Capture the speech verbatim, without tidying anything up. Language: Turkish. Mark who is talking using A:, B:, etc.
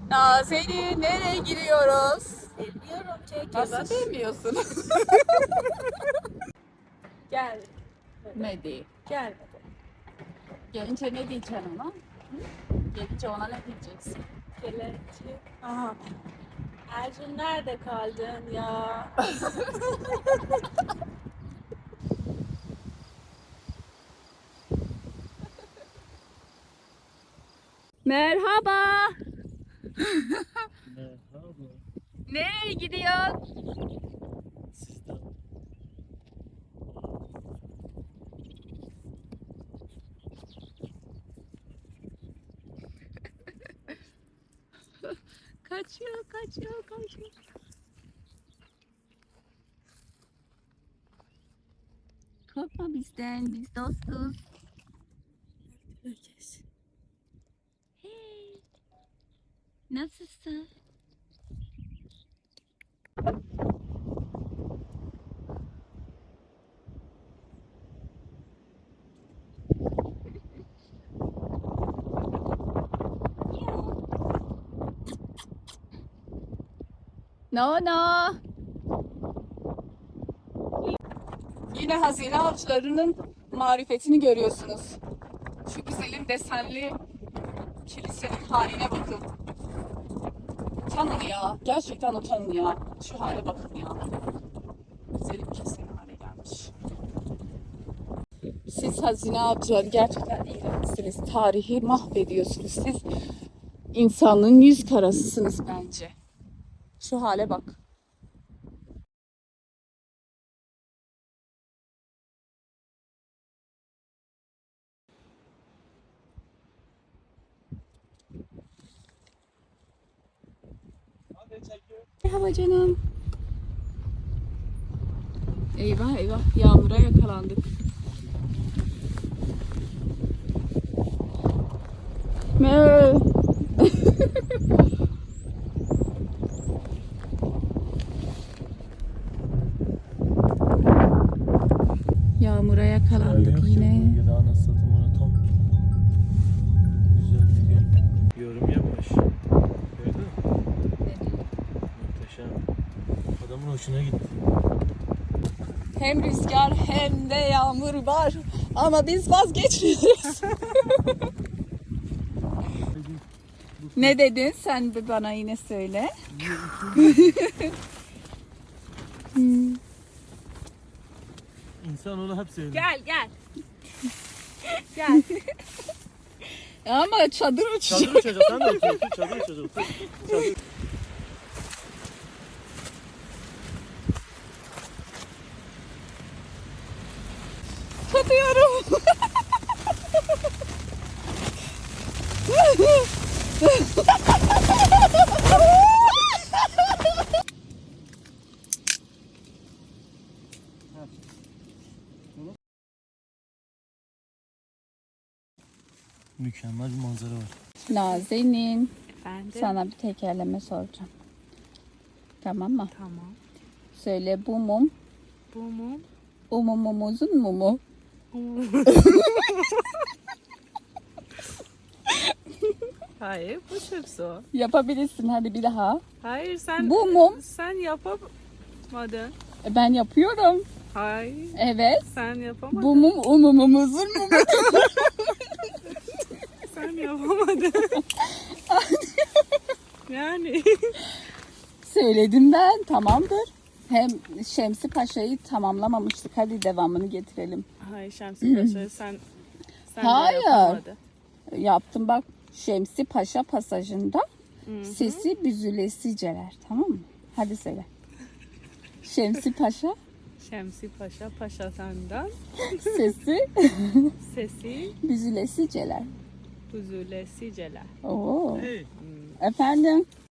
A: Nazenin, nereye giriyoruz?
B: Bilmiyorum çek.
A: Nasıl bilmiyorsun?
B: Gel.
A: Ne değil?
B: Gelmedi.
A: Gelince ne diyeceksin ona? Gelince ona ne diyeceksin?
B: Kelepçe. Aha. Ercun nerede kaldın ya?
A: Merhaba.
C: Merhaba.
A: Nereye gidiyorsun?
C: Sizden.
A: Kaçıyor, kaçıyor, kaçıyor. Korkma bizden, biz dostuz. Hey, nasılsın? No no. Yine hazine avcılarının marifetini görüyorsunuz. Şu güzelim desenli kilisenin haline bakın. Utanın ya. Gerçekten utanın ya. Şu hale bakın ya. Güzelim kilisenin hale gelmiş. Siz hazine avcıları gerçekten iğrençsiniz. Tarihi mahvediyorsunuz. Siz insanlığın yüz karasısınız bence. Şu hale bak. Merhaba canım. Eyvah eyvah, yağmura yakalandık. Mö. Yağmura yakalandık yine.
C: Ya da anasını satayım ona tam güzel bir gün. Yorum yapmış. Gördün mü? Muhteşem. Adamın hoşuna gitti.
A: Hem rüzgar hem de yağmur var. Ama biz vazgeçmiyoruz. Ne dedin sen bir bana yine söyle.
C: İnsan onu hep seviyor.
B: Gel gel. Gel.
A: Ama çadır uçacak.
C: Çadır uçacak. Sen de otur. otur, Çadır uçacak. otur. Çadır.
A: Tutuyorum.
C: Mükemmel bir manzara var.
A: Nazenin,
B: Efendim?
A: sana bir tekerleme soracağım. Tamam mı?
B: Tamam.
A: Söyle, bu mum
B: Bu mu?
A: umumumuzun mumu.
B: Hayır bu çok zor.
A: Yapabilirsin, hadi bir daha.
B: Hayır sen
A: Bu mum.
B: sen yapamadın.
A: E, Ben yapıyorum.
B: Hayır
A: Evet.
B: sen yapamadın.
A: Bu mum umumumuzun mumu.
B: Sen yapamadın. Yani.
A: Söyledim ben, tamamdır. Hem Şemsi Paşa'yı tamamlamamıştık. Hadi devamını getirelim.
B: Hayır Şemsi Paşa sen sen
A: Hayır.
B: de yapamadın.
A: Yaptım bak, Şemsi Paşa pasajında
B: Hı hı.
A: sesi büzülesiceler, tamam mı? Hadi söyle. Şemsi Paşa
B: Şemsi Paşa Paşa senden
A: sesi
B: sesi
A: büzülesiceler.
B: huzurlesiceler.
A: Oo.
C: Hey.
A: Efendim?